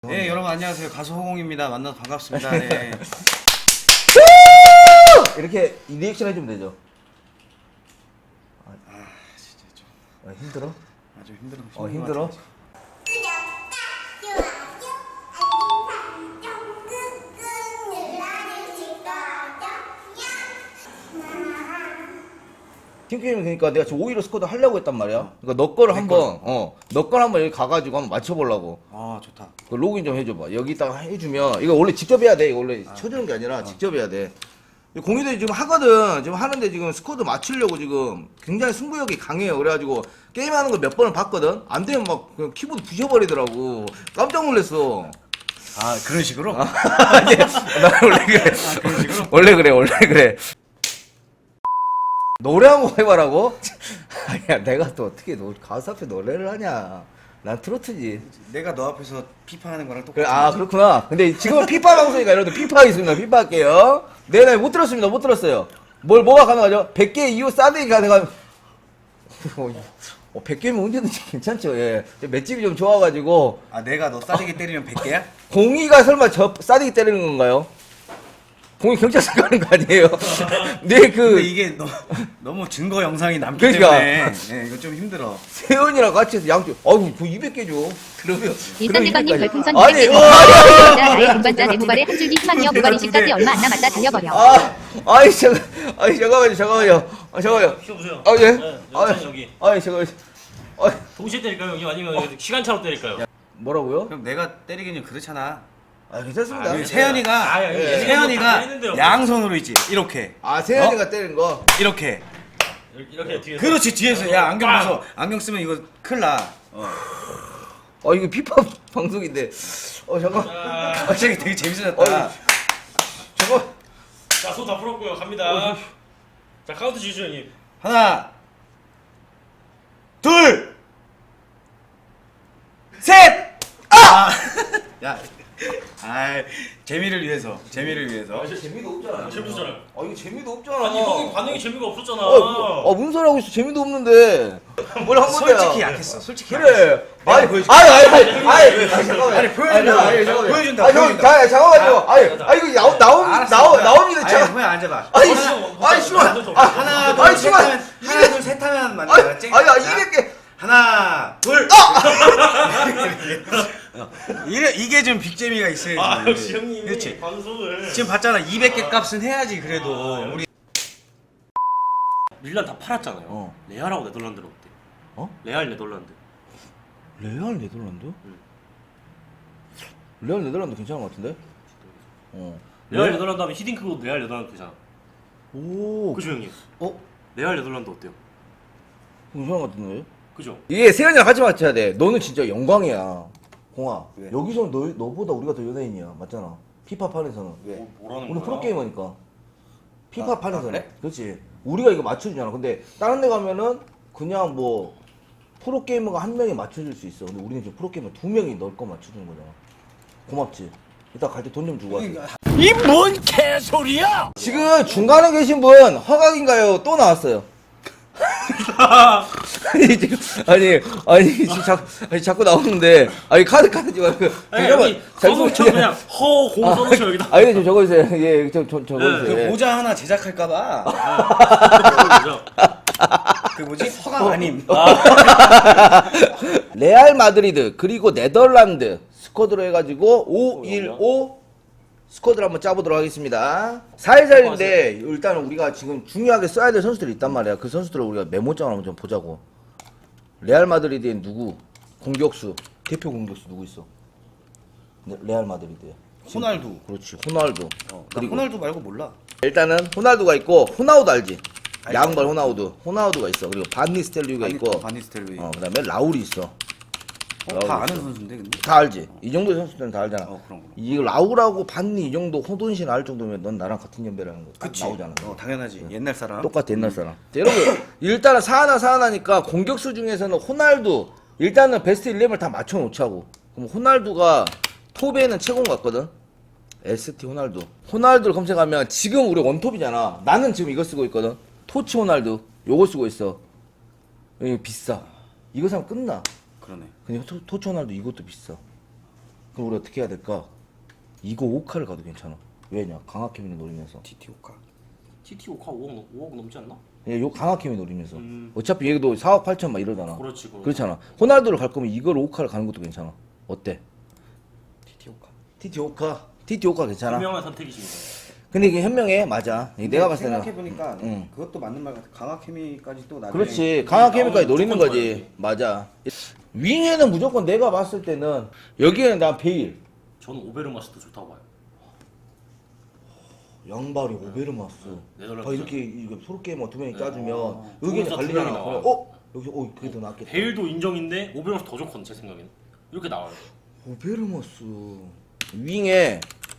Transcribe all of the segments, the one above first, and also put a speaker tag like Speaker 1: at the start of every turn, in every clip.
Speaker 1: 네, 여러분 안녕하세요. 가수 호공입니다. 만나서 반갑습니다. 네.
Speaker 2: 이렇게 리액션 해주면 되죠.
Speaker 1: 아, 진짜 좀
Speaker 2: 힘들어?
Speaker 1: 아주 힘들어.
Speaker 2: 힘들어? 팀게임은 그러니까 내가 지금 5위로 스쿼드 하려고 했단 말이야. 그러니까 너 거를 한번 너 거를 한번 여기 가가지고 한번 맞춰보려고.
Speaker 1: 아, 좋다.
Speaker 2: 그 로그인 좀 해줘봐. 여기다가 해주면 이거 원래 직접 해야 돼. 이거 원래 쳐주는 게 아니라 직접 해야 돼. 공유들이 지금 하거든. 지금 하는데 지금 스쿼드 맞추려고 지금 굉장히 승부욕이 강해요. 그래가지고 게임하는 거 몇 번을 봤거든. 안 되면 막 그냥 키보드 부셔버리더라고. 깜짝 놀랐어.
Speaker 1: 아, 그런 식으로?
Speaker 2: 아니, 나 원래 그래.
Speaker 1: 아, 그런 식으로?
Speaker 2: 원래 그래. 노래 한 곡 해봐라고? 아니야, 내가 또 어떻게 가수 앞에 노래를 하냐. 난 트로트지.
Speaker 1: 내가 너 앞에서 피파하는 거랑
Speaker 2: 그래,
Speaker 1: 똑같아.
Speaker 2: 아, 그렇구나. 근데 지금은 피파 방송이니까 여러분들 피파 하겠습니다. 피파 할게요. 네네, 못 들었습니다. 못 들었어요. 뭐가 가능하죠? 100개 이후 싸대기 가능한. 100개면 언제든지 괜찮죠, 예. 맷집이 좀 좋아가지고.
Speaker 1: 아, 내가 너 싸대기 때리면 100개야?
Speaker 2: 공이가 설마 저 싸대기 때리는 건가요? 공이 경찰서 가는 거 아니에요? 네,
Speaker 1: 근데 이게 너무 증거 영상이 남기
Speaker 2: 그러니까.
Speaker 1: 때문에 네, 이거 좀 힘들어.
Speaker 2: 세연이랑 같이 해서 양쪽, 아이고, 그 200개 줘. 그러면.
Speaker 3: 일산대감님 별풍선
Speaker 2: 아니,
Speaker 3: 200개
Speaker 2: 와!
Speaker 3: 나의 운반자 내 모발에 한 줄기 희망이여 모발이 식까지 얼마 안 남았다 달려버려.
Speaker 2: 잠깐만요.
Speaker 4: 쉬어보세요.
Speaker 2: 아, 예?
Speaker 4: 네, 여기.
Speaker 2: 잠깐만요.
Speaker 4: 동시에 때릴까요, 형님? 아니면 시간차로 때릴까요?
Speaker 2: 뭐라고요?
Speaker 1: 그럼 내가 때리기는 그렇잖아.
Speaker 2: 괜찮습니다.
Speaker 1: 여기 세연이가
Speaker 4: 아, 예.
Speaker 1: 세연이가
Speaker 4: 때리는데요.
Speaker 1: 양손으로 있지. 이렇게.
Speaker 2: 세연이가 때린 거.
Speaker 1: 이렇게.
Speaker 4: 이렇게 뒤에서.
Speaker 1: 그렇지. 뒤에서 야, 안경 벗어. 안경 쓰면 이거 큰일 나.
Speaker 2: 이거 피파 방송인데. 잠깐.
Speaker 1: 갑자기 되게 재밌어졌다.
Speaker 2: 잠깐.
Speaker 4: 자, 손 다 풀었고요. 갑니다. 자, 카운트 주시죠, 형님.
Speaker 1: 하나, 둘, 셋! 아! 야, 재미를 위해서.
Speaker 2: 재미도 없잖아.
Speaker 4: 재밌었잖아요.
Speaker 2: 이거 재미도 없잖아.
Speaker 4: 아니, 형이 반응이 재미가 없었잖아.
Speaker 2: 무슨 소리 하고 있어? 재미도 없는데. 뭘 한 건데요?
Speaker 1: 솔직히 약했어. 솔직히
Speaker 2: 그래.
Speaker 1: 내가 보여줄게.
Speaker 2: 잠깐만.
Speaker 1: 아니, 보여준다. 보여준다.
Speaker 2: 형, 잠깐만요. 이거 나옵니다.
Speaker 1: 아니, 그냥 앉아봐. 하나, 둘, 셋 하면, 하나, 둘, 셋 하면 맞는 거 알았지?
Speaker 2: 200개.
Speaker 1: 하나, 둘. 이게 좀 빅재미가 있어야지.
Speaker 4: 아, 역시 형님이
Speaker 1: 그렇지.
Speaker 4: 방송을.
Speaker 1: 지금 봤잖아. 200개 값은 해야지 그래도. 우리
Speaker 4: 밀란 다 팔았잖아요. 레알하고 네덜란드는 어때? 레알 네덜란드.
Speaker 2: 레알 네덜란드? 레알 네덜란드 괜찮은 것 같은데?
Speaker 4: 레알 네덜란드 하면 히딩크도 레알 네덜란드 되잖아.
Speaker 2: 오,
Speaker 4: 그죠, 형님?
Speaker 1: 어?
Speaker 4: 레알 네덜란드 어때요?
Speaker 2: 괜찮은 것 같은데?
Speaker 4: 그죠?
Speaker 2: 이게 세연이랑 같이 맞춰야 돼. 너는 진짜 영광이야. 공아.
Speaker 1: 왜?
Speaker 2: 여기서 너보다 우리가 더 연예인이야. 맞잖아. 피파 판에서는.
Speaker 1: 왜?
Speaker 4: 뭐라는
Speaker 2: 우리
Speaker 4: 거야?
Speaker 2: 프로게이머니까. 피파 판에서는.
Speaker 1: 그래?
Speaker 2: 그렇지. 우리가 이거 맞춰주잖아. 근데 다른 데 가면은 그냥 뭐 프로게이머가 한 명이 맞춰줄 수 있어. 근데 우리는 지금 프로게이머 2명이 널 거 맞춰주는 거잖아. 고맙지. 이따 갈 때 돈 좀 주고 왔어.
Speaker 5: 이 뭔 개소리야!
Speaker 2: 지금 중간에 계신 분 허각인가요? 또 나왔어요. 아니 지금 자꾸 나오는데 카드 지 말고
Speaker 4: 아니, 여기 써놓죠. 그냥 허공 써놓죠, 여기다.
Speaker 2: 아니 좀 적어주세요. 예, 좀 적어주세요.
Speaker 1: 그
Speaker 2: 예.
Speaker 1: 모자 하나 제작할까봐.
Speaker 4: 그죠?
Speaker 1: 그 뭐지? 허강 아님.
Speaker 2: 레알 마드리드 그리고 네덜란드 스쿼드로 해가지고 515 스쿼드를 한번 짜보도록 하겠습니다. 4일살인데 일단 우리가 지금 중요하게 써야 될 선수들이 있단 말이야. 그 선수들을 우리가 메모장을 한번 좀 보자고. 레알 마드리드에 누구? 공격수 대표 공격수 누구 있어? 레알 마드리드에
Speaker 1: 호날두.
Speaker 2: 그렇지 호날두.
Speaker 1: 나
Speaker 2: 그리고
Speaker 1: 호날두 말고 몰라.
Speaker 2: 일단은 호날두가 있고 호나우두 알지? 양발 호나우두가 있어. 그리고 반니스텔루이가 있고
Speaker 1: 바니스텔로이.
Speaker 2: 그다음에 라울이 있어.
Speaker 1: 다 아는 선수인데 근데.
Speaker 2: 다 알지? 이 정도 선수들은 다 알잖아.
Speaker 1: 그럼.
Speaker 2: 이 라울하고 반니 이 정도 호돈신 알 정도면 넌 나랑 같은 연배라는 거 딱
Speaker 1: 그치.
Speaker 2: 나오잖아.
Speaker 1: 당연하지. 옛날 사람.
Speaker 2: 똑같아 옛날 사람. 자, 여러분 일단은 사하나니까 공격수 중에서는 호날두 일단은 베스트 11을 다 맞춰놓자고. 그럼 호날두가 톱에는 최고인 것 같거든. ST 호날두를 검색하면 지금 우리 원톱이잖아. 나는 지금 이거 쓰고 있거든. 토치 호날두 요거 쓰고 있어. 이거 비싸. 이거 사면 끝나.
Speaker 1: 그러네.
Speaker 2: 근데 토치 호날두 이것도 비싸. 그럼 우리 어떻게 해야 될까? 이거 5카를 가도 괜찮아. 왜냐? 강하케미를 노리면서.
Speaker 1: TT5카.
Speaker 4: TT5카 5억 넘지 않나?
Speaker 2: 예, 요 강하케미 노리면서. 어차피 얘도 4억 8천 막 이러잖아.
Speaker 4: 그렇지.
Speaker 2: 그렇잖아. 호날두를 갈 거면 이걸 5카를 가는 것도 괜찮아. 어때?
Speaker 1: TT5카.
Speaker 2: TT5카 괜찮아.
Speaker 4: 분명한 선택이십니다.
Speaker 2: 근데 이게 현명해. 맞아. 이게 내가 봤을 때는.
Speaker 1: 생각해보니까
Speaker 2: 응.
Speaker 1: 그것도 맞는 말 같아. 강화케미까지 또 나중에.
Speaker 2: 그렇지. 강하케미까지 노리는
Speaker 4: 무조건
Speaker 2: 거지.
Speaker 4: 줘야지.
Speaker 2: 맞아. 윙에는 무조건 내가 봤을 때는 여기에는 난 베일.
Speaker 4: 저는 오베르마스도 좋다고 봐요.
Speaker 2: 양발이 오베르마스.
Speaker 4: 네덜란드.
Speaker 2: 아, 이렇게 프로게이머 두 명이 까주면
Speaker 1: 어,
Speaker 2: 의견이
Speaker 4: 좋은
Speaker 2: 갈리잖아.
Speaker 4: 선택이 나와요.
Speaker 2: 여기서 그게 더 낫겠다.
Speaker 4: 베일도 인정인데 오베르마스 더 좋거든 제 생각에는. 이렇게 나와요.
Speaker 2: 오베르마스 윙에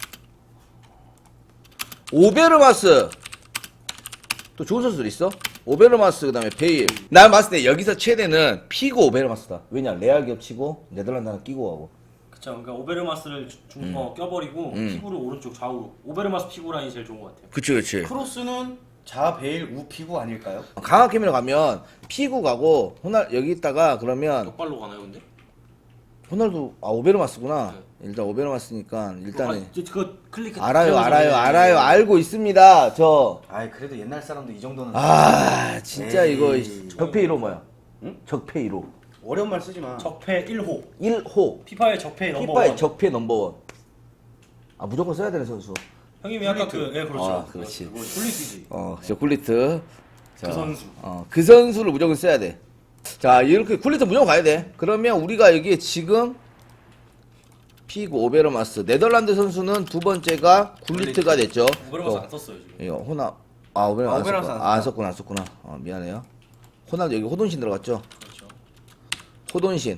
Speaker 2: 오베르마스 또 좋은 선수들 있어? 오베르마스 그다음에 베일. 난 봤을 때 여기서 최대는 피고 오베르마스다. 왜냐 레알 겹치고 네덜란드 하나 끼고 가고.
Speaker 4: 그쵸. 그러니까 오베르마스를 껴버리고 피구를 오른쪽 좌우. 오베르마스 피구 라인이 제일 좋은 것 같아요.
Speaker 2: 그치.
Speaker 1: 크로스는 자 베일 우 피구 아닐까요?
Speaker 2: 강하케미로 가면 피고 가고 여기 있다가 그러면
Speaker 4: 똑발로 가나요 근데?
Speaker 2: 호날두 오베르마스구나. 일단 오베르마스니까 일단은
Speaker 4: 그 클릭
Speaker 2: 알아요 알고 있습니다.
Speaker 1: 아이 그래도 옛날 사람도 이 정도는.
Speaker 2: 진짜
Speaker 1: 에이.
Speaker 2: 이거 적폐 1호 뭐야?
Speaker 1: 응?
Speaker 2: 적폐 1호
Speaker 1: 어려운 말 쓰지 마.
Speaker 4: 적폐 1호.
Speaker 2: 1호
Speaker 4: 피파의 적폐 넘버
Speaker 2: 피파의
Speaker 4: 1.
Speaker 2: 적폐 넘버원. 무조건 써야 되는 선수.
Speaker 4: 형님이 아까 그렇죠.
Speaker 2: 그렇지.
Speaker 4: 굴리트지.
Speaker 2: 저 굴리트. 자,
Speaker 4: 그 선수.
Speaker 2: 그 선수를 무조건 써야 돼. 자, 이렇게 굴리트 무조건 가야 돼. 그러면 우리가 여기에 지금 피고 오베르마스 네덜란드 선수는 두 번째가 굴리트가 됐죠.
Speaker 4: 오베르마스 안 썼어요 지금.
Speaker 2: 이거 오베르마스
Speaker 1: 오베르마스
Speaker 2: 안 썼구나. 미안해요. 호날두 여기 호돈신 들어갔죠.
Speaker 4: 그렇죠.
Speaker 2: 호돈신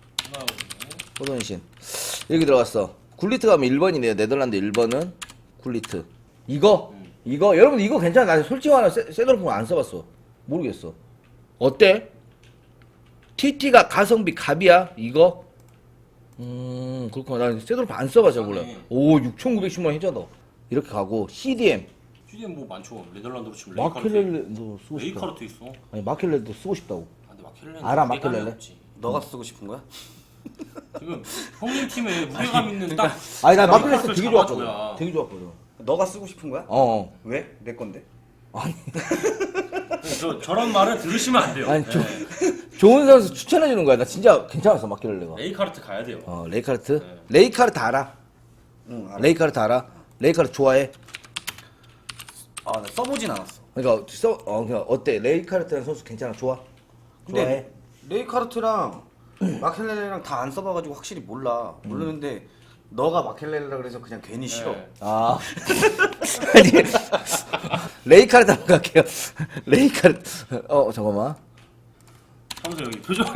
Speaker 4: 하나
Speaker 2: 여기 들어갔어. 굴리트 가면 1번이네요. 네덜란드 1번은 굴리트. 이거 여러분 이거 괜찮아. 나 솔직히 말하면 세도르프 안 써봤어. 모르겠어. 어때? TT가 가성비 갑이야 이거? 그렇구나. 난 세도르프 안 써봐서 몰라. 오 6,910만 원 해자다. 이렇게 가고 CDM
Speaker 4: CDM 뭐 많죠. 네덜란드로 치면
Speaker 2: 마켈렐레도 쓰고 싶다.
Speaker 4: 레이카르트 있어.
Speaker 2: 아니 마켈렐레도 쓰고 싶다고.
Speaker 4: 근데 마켈렐레
Speaker 2: 알아, 마켈렐레?
Speaker 1: 너가 쓰고 싶은 거야?
Speaker 4: 지금 형님 팀에 무게감 있는 딱.
Speaker 2: 아니 나 마켈렐레
Speaker 4: 레이카르트를
Speaker 2: 되게
Speaker 4: 잡아줘야.
Speaker 2: 좋았거든. 되게 좋았거든.
Speaker 1: 너가 쓰고 싶은 거야? 왜? 내 건데?
Speaker 4: 저런 말을 들으시면 안 돼요.
Speaker 2: 아니
Speaker 4: 네.
Speaker 2: 좋은 선수 추천해 주는 거야. 나 진짜 괜찮았어 마켈렐레가.
Speaker 4: 레이카르트 가야 돼요.
Speaker 2: 레이카르트?
Speaker 4: 네.
Speaker 2: 레이카르트 알아?
Speaker 1: 응 알아.
Speaker 2: 레이카르트 알아? 레이카르트 좋아해?
Speaker 1: 나 써보진 않았어.
Speaker 2: 그러니까 그냥 어때? 레이카르트라는 선수 괜찮아? 좋아? 좋아해?
Speaker 1: 근데 레이카르트랑 마켈렐레랑 다 안 써봐가지고 확실히 모르는데 너가 마켈렐레라 그래서 그냥 괜히 싫어.
Speaker 4: 네.
Speaker 2: 아니 레이카르트 한번 갈게요. 레이카르트 잠깐만.
Speaker 4: 하면서 여기 표정이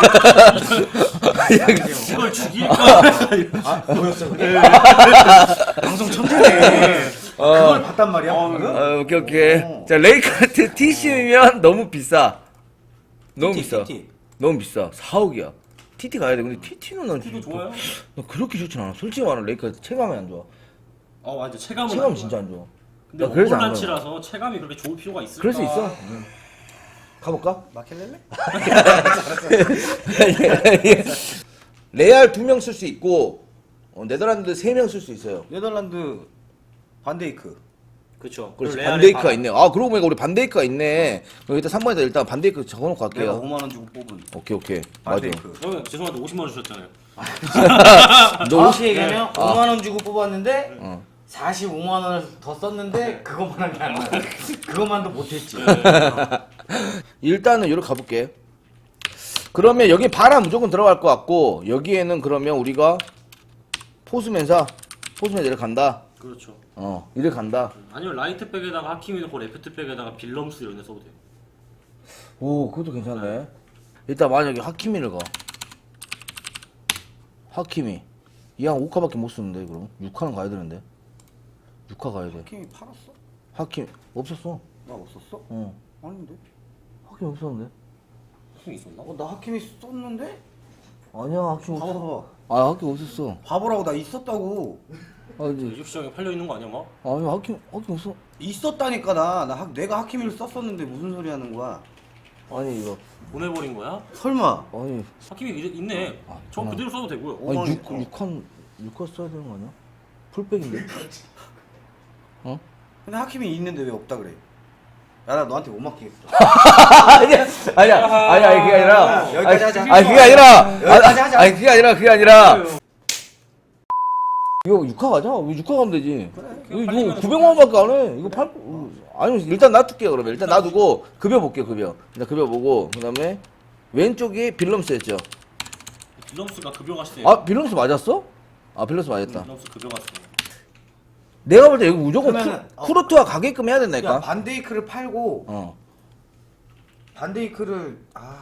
Speaker 4: 이걸 죽일까?
Speaker 1: 뭐였어 그게? 방송 천재네. 그걸 봤단 말이야. 방금?
Speaker 2: 오케이. 자 레이카르트 TC면 너무 비싸. 너무 비싸.
Speaker 1: TT.
Speaker 2: 너무 비싸. 4억이야. TT 가야 돼. 근데 TT는 난
Speaker 4: TT도 좋아요?
Speaker 2: 나 그렇게 좋진 않아. 솔직히 말하면 레이카르트 체감이 안 좋아.
Speaker 4: 맞아. 체감은
Speaker 2: 체감
Speaker 4: 안
Speaker 2: 진짜
Speaker 4: 좋아요.
Speaker 2: 안 좋아.
Speaker 4: 근데
Speaker 2: 나 그래서 안
Speaker 4: 오볼란치라서 체감이 그렇게 좋을 필요가 있을까?
Speaker 2: 그럴 수 있어. 가볼까?
Speaker 1: 마켈렐레?
Speaker 2: 레알 2명 쓸 수 있고 네덜란드 3명 쓸 수 있어요.
Speaker 1: 네덜란드 반데이크.
Speaker 4: 그렇죠.
Speaker 2: 그렇지. 반데이크가 있네. 그러고 보니까 우리 반데이크가 있네. 일단 3번에다 일단 반데이크 적어놓고
Speaker 1: 내가
Speaker 2: 갈게요.
Speaker 1: 5만 원 주고 뽑은
Speaker 2: 오케이. 맞아.
Speaker 1: 반데이크.
Speaker 4: 형 죄송한데 50만 원 주셨잖아요.
Speaker 2: 너
Speaker 1: 정확히 얘기하면 5만 원 주고
Speaker 2: 네.
Speaker 1: 뽑았는데 45만 원을 더 썼는데 그것만 한 게 안 나. 그것만도 못했지.
Speaker 2: 일단은 여기로 가볼게. 그러면 여기 바람 무조건 들어갈 것 같고 여기에는 그러면 우리가 포수맨사 이렇게 간다.
Speaker 4: 그렇죠.
Speaker 2: 이렇게 간다.
Speaker 4: 아니면 라이트백에다가 하키미 넣고 레프트백에다가 빌럼스 이런 데 써도 돼요.
Speaker 2: 오 그것도 괜찮네. 일단 만약에 하키미를 가. 하키미 이양 5카밖에 못 쓰는데 그럼 6카는 가야 되는데 6카 가야 돼.
Speaker 1: 하킴이 팔았어?
Speaker 2: 하키미 없었어.
Speaker 1: 나 없었어? 아닌데?
Speaker 2: 하키미 없었는데.
Speaker 4: 하키미 있었나?
Speaker 1: 나 하킴이 썼는데?
Speaker 2: 아니야 하키미 없었어.
Speaker 1: 봐봐.
Speaker 2: 하키미 없었어.
Speaker 1: 바보라고 나 있었다고.
Speaker 2: 이제
Speaker 4: 이적 시장에 팔려 있는 거 아니야 막?
Speaker 2: 아니 하키미 없어.
Speaker 1: 있었다니까 내가 하킴이를 썼었는데 무슨 소리 하는 거야?
Speaker 2: 아니 이거
Speaker 4: 보내버린 거야?
Speaker 1: 설마?
Speaker 2: 아니
Speaker 4: 하키미 있네. 저
Speaker 2: 정말.
Speaker 4: 그대로 써도 되고요.
Speaker 2: 아니
Speaker 1: 5만 원.
Speaker 2: 6칸 6화 써야 되는 거 아니야? 풀백인데?
Speaker 1: 근데 하킴이 있는데 왜 없다 그래? 야 나 너한테 못 맡기겠어.
Speaker 2: 아니야 그게 아니라
Speaker 1: 여기까지 하자.
Speaker 2: 아니 그게 아니라
Speaker 1: 여기까지 하자.
Speaker 2: 아니 그게 아니라 이거 6화 가자. 왜 6화 가면 되지? 이거 900만 원밖에 안 해. 이거 팔 아니 일단 놔둘게요. 그러면 일단 놔두고 급여 볼게요. 급여. 일단 급여 보고 그다음에 왼쪽이 빌럼스였죠.
Speaker 4: 빌럼스가 급여가 세요.
Speaker 2: 아 빌럼스 맞았어? 아 빌럼스 맞았다.
Speaker 4: 빌럼스 급여가 세요.
Speaker 2: 내가 볼 때 이거 무조건
Speaker 1: 그러면은,
Speaker 2: 쿠르트와 가게끔 해야
Speaker 1: 야
Speaker 2: 된다니까.
Speaker 1: 반데이크를 팔고
Speaker 2: 어.
Speaker 1: 반데이크를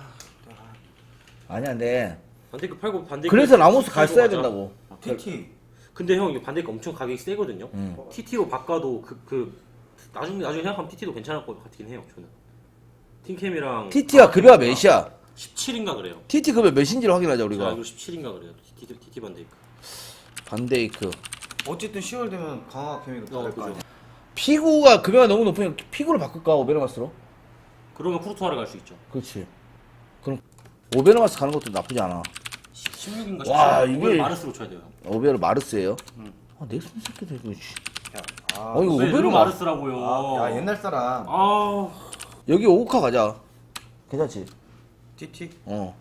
Speaker 2: 아니야 근데
Speaker 4: 반데이크 팔고 반데이크.
Speaker 2: 그래서 라모스 갈 써야
Speaker 4: 맞아.
Speaker 2: 된다고.
Speaker 1: TT
Speaker 4: 근데 형 이거 반데이크 엄청 가격이 세거든요.
Speaker 2: 음.
Speaker 4: TT로 바꿔도 나중에 생각하면 TT도 괜찮을 것 같긴 해요. 저는. 팀캠이랑
Speaker 2: TT가 급여가 몇이야?
Speaker 4: 17인가 그래요.
Speaker 2: TT 급여 몇인지를 확인하자
Speaker 4: 제가
Speaker 2: 우리가.
Speaker 4: 알기로 17인가 그래요. TT 반데이크.
Speaker 2: 반데이크.
Speaker 1: 어쨌든 10월 되면 강화 케미도 다를 거
Speaker 4: 그죠.
Speaker 1: 아니야.
Speaker 2: 피구가 급여가 너무 높으니까 피구를 바꿀까 오베르마스로?
Speaker 4: 그러면 쿠르투아를 갈 수 있죠.
Speaker 2: 그렇지. 그럼 오베르마스 가는 것도 나쁘지 않아.
Speaker 4: 16인가 17인가.
Speaker 2: 와, 이게-
Speaker 4: 마르스로 쳐야 돼요.
Speaker 2: 오베르 마르스예요. 아 넥슨 새끼들 이거. 씨.
Speaker 1: 아,
Speaker 2: 이거
Speaker 4: 왜
Speaker 2: 오베르 마르스.
Speaker 4: 마르스라고요?
Speaker 1: 야 옛날 사람
Speaker 4: 아,
Speaker 2: 여기 오카 가자. 괜찮지?
Speaker 1: TT
Speaker 2: 어.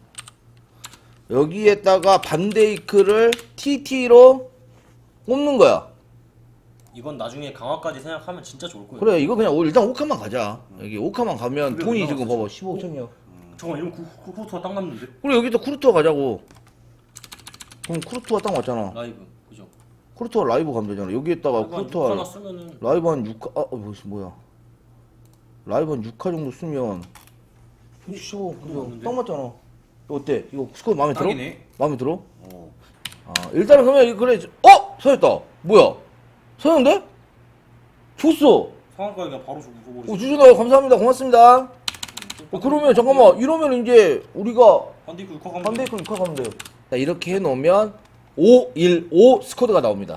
Speaker 2: 여기에다가 반데이크를 TT로 꼽는 거야.
Speaker 4: 이건 나중에 강화까지 생각하면 진짜 좋을 거예요.
Speaker 2: 그래 이거 그냥 일단 오카만 가자. 여기 오카만 가면 돈이 지금 봐봐 15억천이야.
Speaker 4: 잠깐만 이러면 쿠르투아 딱 남는데?
Speaker 2: 그래 여기다 쿠르투아 가자고. 그럼 쿠르투아 딱 왔잖아.
Speaker 4: 라이브 그죠?
Speaker 2: 쿠르투아 라이브 가면 되잖아. 여기에다가
Speaker 4: 하나
Speaker 2: 쿠르투아
Speaker 4: 쓰면은
Speaker 2: 라이브 한 6화 뭐야? 라이브 한 6화 정도 쓰면 15 그죠? 딱 맞잖아. 이거 어때? 이거 스코어 마음에 들어?
Speaker 1: 딱이네.
Speaker 2: 마음에 들어?
Speaker 1: 어.
Speaker 2: 아 일단은 그러면 이거 그래. 서였다. 뭐야? 서였는데? 줬어.
Speaker 4: 상한가에 그냥 바로 줘버리지.
Speaker 2: 주준아 감사합니다. 고맙습니다. 그러면 잠깐만 이러면 이제 우리가
Speaker 4: 반데이크 6화 가면
Speaker 2: 반데이크 6화 가면 돼요. 자, 이렇게 해놓으면 515 스쿼드가 나옵니다.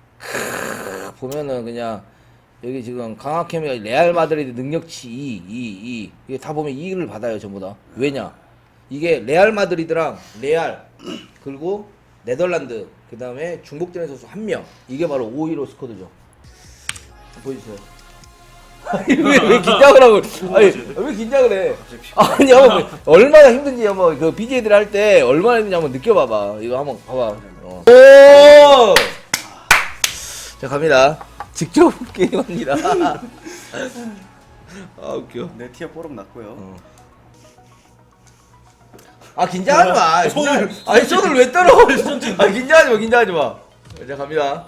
Speaker 2: 보면은 그냥 여기 지금 강하케미가 레알 마드리드 능력치 2 이게 다 보면 2를 받아요 전부 다. 왜냐? 이게 레알 마드리드랑 레알 그리고 네덜란드 그 다음에 중복되는 선수 1명 이게 바로 515 스쿼드죠. 보여주세요. 왜 긴장을 하고 아니 왜 긴장을 해? 아니 한번 얼마나 힘든지 한번 그 BJ들 할 때 얼마나 힘든지 한번 느껴봐봐. 이거 한번 봐봐. 오! 자 갑니다. 직접 게임합니다. 아 웃겨.
Speaker 1: 내 티어 뽀록 났고요.
Speaker 2: 아 긴장하지 마. 아니 손을 왜 떨어? 아 긴장하지 마. 자 갑니다.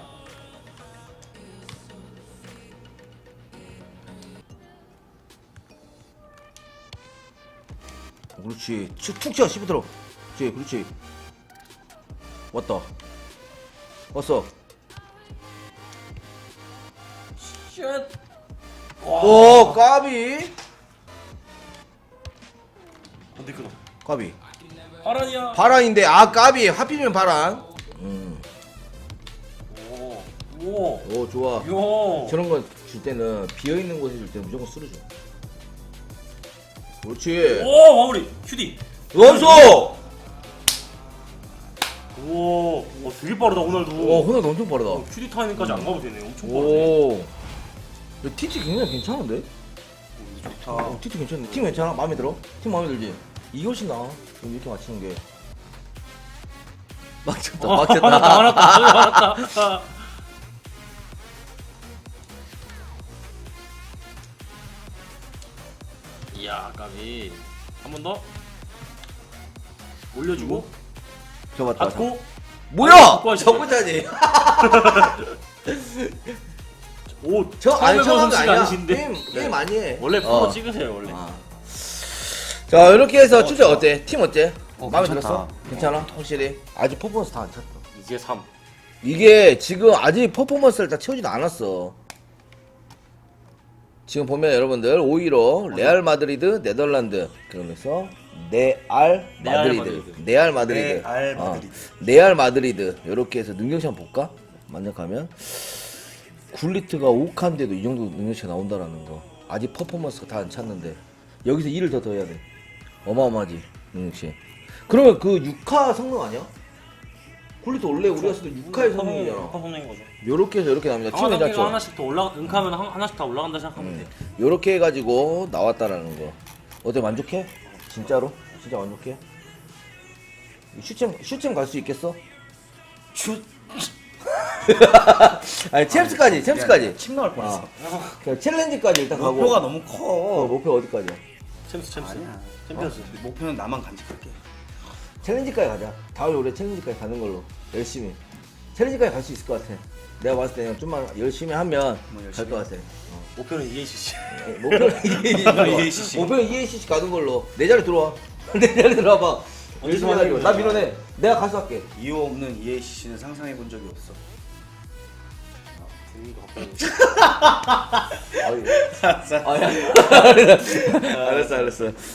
Speaker 2: 그렇지. 툭 치어 씹어들어. 그렇지. 왔다. 왔어.
Speaker 4: 쉣.
Speaker 2: 오 까비.
Speaker 4: 반데이크다.
Speaker 2: 까비.
Speaker 4: 바란이야.
Speaker 2: 바란인데 아 까비. 하필이면 바란.
Speaker 4: 오.
Speaker 2: 오 좋아.
Speaker 4: 요.
Speaker 2: 저런 거 줄 때는 비어 있는 곳에 줄 때는 무조건 쓰러져. 그렇지.
Speaker 4: 오 마무리. 휴디.
Speaker 2: 원수.
Speaker 4: 오. 오 되게 빠르다 호날두.
Speaker 2: 호날두 엄청 빠르다.
Speaker 4: 휴디 타이밍까지 안 가도 되네. 엄청 빠르네.
Speaker 2: 오. TT 굉장히 괜찮은데?
Speaker 1: 좋다.
Speaker 2: TT 괜찮네. 팀 괜찮아? 마음에 들어? 팀 마음에 들지? 이게 훨씬 나아. 지금 이렇게 맞추는 게. 막혔다.
Speaker 4: 많았다. 이야 까비. 한 번 더. 올려주고.
Speaker 2: 잡았다.
Speaker 4: 받고.
Speaker 2: 뭐야?
Speaker 4: 받고 하시죠.
Speaker 2: 저거잖니.
Speaker 4: 오.
Speaker 2: 저 아니 저거
Speaker 4: 솜씨가
Speaker 2: 아니야.
Speaker 4: 아니신데.
Speaker 2: 게임 많이 해.
Speaker 4: 원래 프로 찍으세요 원래.
Speaker 2: 자 이렇게 해서 추적 어때? 팀 어때? 마음에
Speaker 1: 괜찮다.
Speaker 2: 들었어? 괜찮아? 확실히? 아직 퍼포먼스 다 안 찼다.
Speaker 4: 이제 3.
Speaker 2: 이게 지금 아직 퍼포먼스를 다 채우지도 않았어. 지금 보면 여러분들 5위로 레알 마드리드, 네덜란드 그러면서 네알 마드리드, 네알 마드리드,
Speaker 1: 레알 마드리드.
Speaker 2: 네알 마드리드 이렇게 해서 능력치 한번 볼까? 만약하면 굴리트가 5칸인데도 이 정도 능력치가 나온다라는 거. 아직 퍼포먼스가 다 안 찼는데 여기서 2를 더 해야 돼. 어마어마하지 능력치. 그러면 그 6화 성능 아니야? 콜리토 원래 우리가 쓰던 6화의 성능이잖아.
Speaker 4: 6화 성능인 거죠.
Speaker 2: 요렇게 해서 이렇게 나옵니다.
Speaker 4: 강화
Speaker 2: 팀
Speaker 4: 단계가
Speaker 2: 괜찮죠?
Speaker 4: 하나씩 더 올라 은카면 하나씩 다 올라간다 생각하면 돼.
Speaker 2: 요렇게 해가지고 나왔다라는 거. 어때 만족해? 진짜로? 진짜 만족해? 슈챔 갈 수 있겠어?
Speaker 1: 슛.
Speaker 2: 아니 챔스까지.
Speaker 1: 침 나올 뻔했어.
Speaker 2: 그냥 챌린지까지 일단 가고.
Speaker 1: 목표가 너무 커.
Speaker 2: 목표 어디까지야?
Speaker 4: 챔스.
Speaker 1: 아니야.
Speaker 4: 챔피언스.
Speaker 1: 목표는 나만 간직할게.
Speaker 2: 챌린지까지 가자. 다음에 우리 챌린지까지 가는 걸로 열심히. 챌린지까지 갈 수 있을 것 같아. 내가 봤을 때는 좀만 열심히 하면
Speaker 1: 뭐
Speaker 2: 갈
Speaker 1: 열심히
Speaker 2: 것 같아.
Speaker 4: 목표는 EACC.
Speaker 2: 목표는
Speaker 1: EACC.
Speaker 2: 목표는 EACC 가는 걸로. 내 자리 들어와. 내 자리 들어와봐. 열심히 하자고. 나 밀어내. 내가 가수할게.
Speaker 1: 이유 없는 EACC는 상상해 본 적이 없어.
Speaker 2: 아야. 알았어.